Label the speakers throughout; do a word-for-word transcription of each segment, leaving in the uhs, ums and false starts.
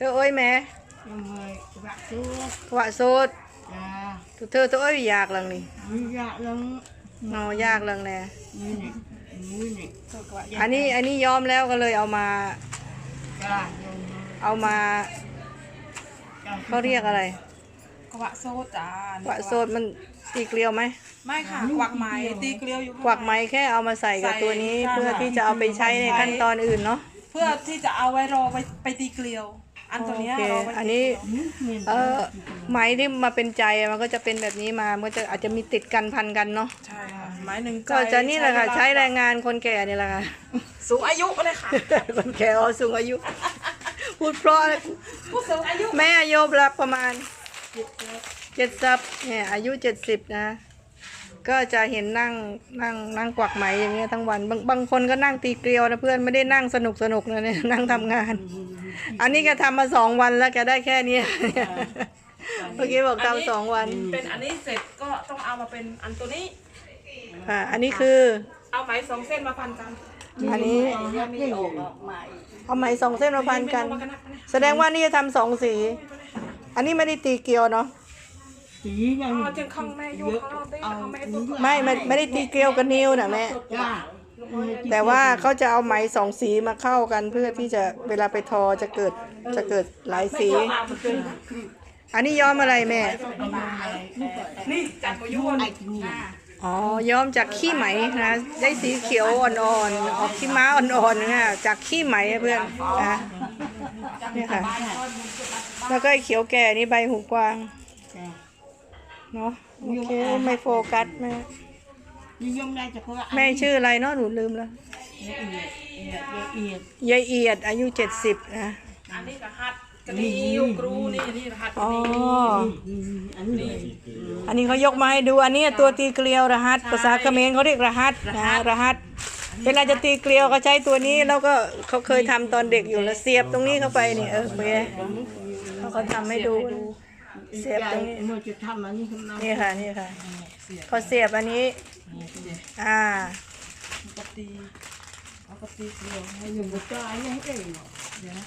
Speaker 1: อเอ้ยแม่
Speaker 2: ยังไงกระสุด
Speaker 1: กวะโซด
Speaker 2: จ้า
Speaker 1: เธอตัวเอ้ยอยากลังนี่
Speaker 2: อยากลัง
Speaker 1: เงายากลังแน่
Speaker 2: นี่นี่นี่นี่
Speaker 1: อันนี้อันนี้ยอมแล้วก็เลยเอามา
Speaker 2: จ้า
Speaker 1: เอามาเขาเรียกอะไร
Speaker 3: กวะโซดจ้าก
Speaker 1: วะโซดมันตีเกลียวไหม
Speaker 3: ไม่ค่ะกวักไม้ตีเกลียวอยู่
Speaker 1: กวักไม้แค่เอามาใส่กับตัวนี้เพื่อที่จะเอาไปใช้ในขั้นตอนอื่นเนาะ
Speaker 3: เพื่อที่จะเอาไว้รอไปไปตีเกลียวอันตัวนี้รอไป
Speaker 1: อันนี้เออไม้ที่มาเป็นใจมันก็จะเป็นแบบนี้มามันจะอาจจะมีติดกันพันกันเนาะ
Speaker 3: ใช่ค่ะไม้หนึ่ง
Speaker 1: ก็จะนี่แหละค่ะใช้แรงงานคนแก่นี่แหละค่ะ
Speaker 3: สูงอายุเลยค่ะ
Speaker 1: คนแก่อ๋อสูงอายุพูดเพราะ
Speaker 3: ผู้สูงอายุ
Speaker 1: แม่อายุรับประมาณเจ็ดสิบเนี่ยอายุเจ็ดสิบนะก็จะเห็นนั่งนั่งนั่งกวักไหมอย่างเงี้ยทั้งวันบางบางคนก็นั่งตีเกลียวนะเพื่อนไม่ได้นั่งสนุกสนุกนะเนี่ยนั่งทำงานอันนี้แกทำมาสองวันแล้วแกได้แค่นี้เมื่อกี้บอกทำสองวัน
Speaker 3: เป็นอันนี้เสร็จก็ต้องเอามาเป็นอันตัวนี้
Speaker 1: ค่ะอันนี้คือ
Speaker 3: เอาไหมสองเส้นมาพันกัน
Speaker 1: อันนี้เอาไหมสองเส้นมาพันกันแสดงว่านี่จะทำสองสีอันนี้ไม่ได้ตีเกลียวเนาะ
Speaker 2: สียัง
Speaker 3: จึงข้างแม่ยกข้างนอกได้ข้างแม่
Speaker 1: ไม่ไม่ไม่ได้ตีเกลียวกับนิ้วนะแม่แต่ว่าเขาจะเอาไหมสองสีมาเข้ากันเพื่อที่จะเวลาไปทอจะเกิดจะเกิดหลายสีอันนี้ย้อมอะไรแม่
Speaker 3: นี่จากพยุน
Speaker 1: อ๋อย้อมจากขี้ไหมนะได้สีเขียวอ่อนๆออกขี้ม้าอ่อนๆนะจากขี้ไหมเพื่อนนะนี่ค่ะแล้วก็เขียวแก่นี่ใบหูกวางเนาะโอเคไม่โฟกัสแม่แม่ชื่ออะไรเนาะหนูลืมแล้วยายเอียดอายุเจ็ดสิบนะ
Speaker 3: อันนี้รหัสกระดิ่งครูนี่นี่รหัส
Speaker 1: อ๋ออันนี้เขายกมาให้ดูอันนี้ตัวตีเกลียวรหัสภาษาเขมรเขาเรียกรหัสนะรหัสเวลาจะตีเกลียวก็ใช้ตัวนี้แล้วก็เขาเคยทำตอนเด็กอยู่แล้วเสียบตรงนี้เข้าไปนี่เออเพื่อเขาเขาทำให้ดูเสียบตรงนี้นี่ค่ะนี่ค่ะเขาเสียบอันนี้อ่า
Speaker 3: ปกติปกติเกลียวให้อยู่บนจอยให้ได้เดี๋ยวนะ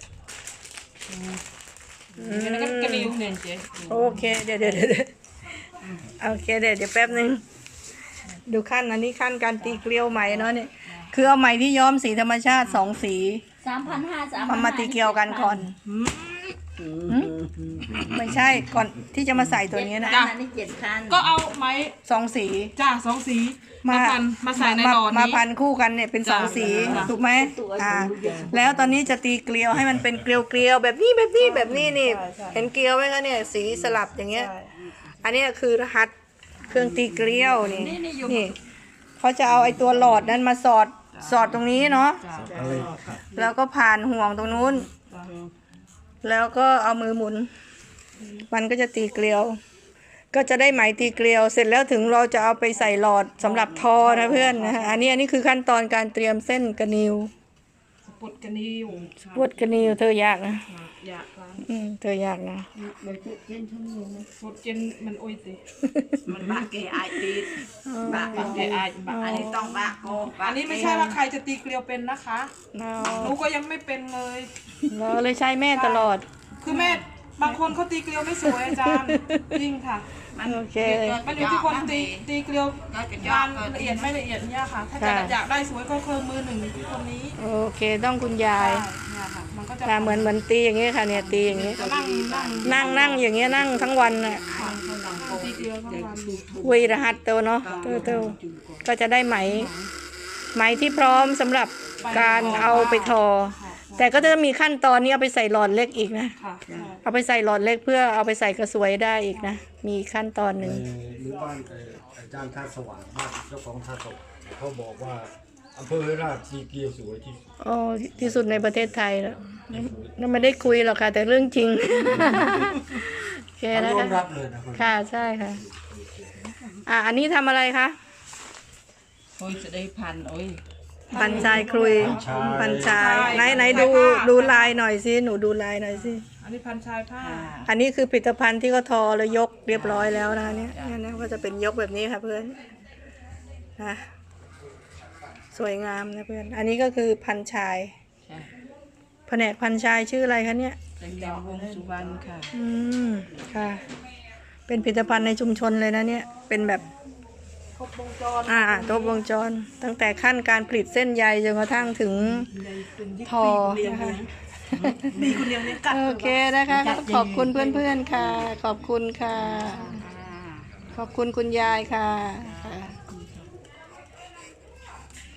Speaker 3: แล้วก็กระดิ่งเนี่ยเจ๊
Speaker 1: โอเคเดี๋ยวเดี๋ยวเดี๋ยวโอเคเดี๋ยวเดี๋ยวแป๊บนึงดูขั้นอันนี้ขั้นการตีเกลียวไหมเนาะเนี่ยคือเอาไหมที่ย้อมสีธรรมชาติสองสี
Speaker 4: สามพันห้าสาม
Speaker 1: มาตีเกลียวกันก่อนไม่ใช่ก่อนที่จะมาใส่ตัวนี้นะ
Speaker 3: ก็เอาไม้
Speaker 1: สองสี
Speaker 3: จ้าสองสีมาพันมาใส่ในหลอดนี้
Speaker 1: มาพันคู่กันเนี่ยเป็นสองสีถูกไหมอ่าแล้วตอนนี้จะตีเกลียวให้มันเป็นเกลียวเกลียวแบบนี้แบบนี้แบบนี้นี่เห็นเกลียวไหมคะเนี่ยสีสลับอย่างเงี้ยอันนี้คือรหัสเครื่องตีเกลียวนี่นี่เขาจะเอาไอ้ตัวหลอดนั้นมาสอดสอดตรงนี้เนาะแล้วก็ผ่านห่วงตรงนู้นแล้วก็เอามือหมุนมันก็จะตีเกลียวก็จะได้ไหมตีเกลียวเสร็จแล้วถึงเราจะเอาไปใส่หลอดสำหรับทอนะเพื่อนนะอันนี้อันนี้คือขั้นตอนการเตรียมเส้นกระนิว
Speaker 3: ปวดกระนิว
Speaker 1: ปวดกระนิวเธอยากนะ
Speaker 3: ยากค่ะ
Speaker 1: อืมเธอยากนะ
Speaker 3: ปวดเจนมันโอ้ยสิ
Speaker 2: มันบ้าเกยไอตีบ้าเกยไอบ้าอันนี้ต้องบ้าโก
Speaker 3: อันนี้ไม่ใช่ว่าใครจะตีเกลียวเป็นนะคะหนูก็ยังไม่เป็นเลย
Speaker 1: เราเลยใช้แม่ตลอด
Speaker 3: คือแม่บางคนเขาตีเกลียวไม่สวยอาจารย์จริงค่ะ
Speaker 1: โอเค
Speaker 3: มันอยู่ที่คนตีตีเกลียวงานละเอียดไม่ละเอียดเนี่ยค่ะถ้าจะอยากได้สวยก็เครื่องมือหนึ่งที่คนนี้
Speaker 1: โอเคต้องคุณยาย
Speaker 3: มันก็จะ
Speaker 1: เหมือนเหมือนตีอย่างเงี้ยค่ะเนี่ยตีอย่างเงี้ยนั่งนั่งอย่างเงี้ยนั่งทั้งวันน่ะคุยรหัสเตวเนาะเตวเตวก็จะได้ไหมไหมที่พร้อมสำหรับการเอาไปทอแต่ก็จะมีขั้นตอนนี้เอาไปใส่หลอดเล็กอีกนะเอาไปใส่หลอดเล็กเพื่อเอาไปใส่กระสวยได้อีกนะมีขั้นตอนหนึ่ง
Speaker 5: หรือบ้านอาจารย์ท่าสว่างบ้านเจ้าของท่าสว่างเขาบอกว่าอำเภอราชสีเกลียวสวยที่สุด
Speaker 1: อ๋อที่สุดในประเทศไทยแล้วนั่นไม่ได้คุยหรอกค่ะแต่เรื่องจริงโอเคนะคะค่ะใช่ค่ะอ่ะอันนี้ทำอะไรคะ
Speaker 2: โอ้ยจะได้พันโอ้ย
Speaker 1: พันชายครุยพันชายไหนไหนดูดูลายหน่อยสิหนูดูลายหน่อยสิ
Speaker 3: อันนี้พันชายผ้า
Speaker 1: อันนี้คือผลิตภัณฑ์ที่เขาทอแล้วยกเรียบร้อยแล้วนะเนี่ยเนี่ยก็จะเป็นยกแบบนี้ค่ะเพื่อนนะสวยงามนะเพื่อนอันนี้ก็คือพันชายแผนกพันชายชื่ออะไรคะเนี่ย
Speaker 2: แดงแดงวงสุวรรณค่ะ
Speaker 1: อืมค่ะ เป็นผลิตภัณฑ์ในชุมชนเลยนะเนี่ย เป็นแบบ
Speaker 3: ครบวงจร
Speaker 1: อ่าครบวงจร ตั้งแต่ขั้นการผลิตเส้นใยจนกระทั่งถึงทอนะคะ
Speaker 3: มีคนเดียวเนี่ยกัด
Speaker 1: โอเคนะคะก็ขอบคุณเพื่อนๆค่ะ ขอบคุณค่ะ ขอบคุณคุณยายค่ะค่ะ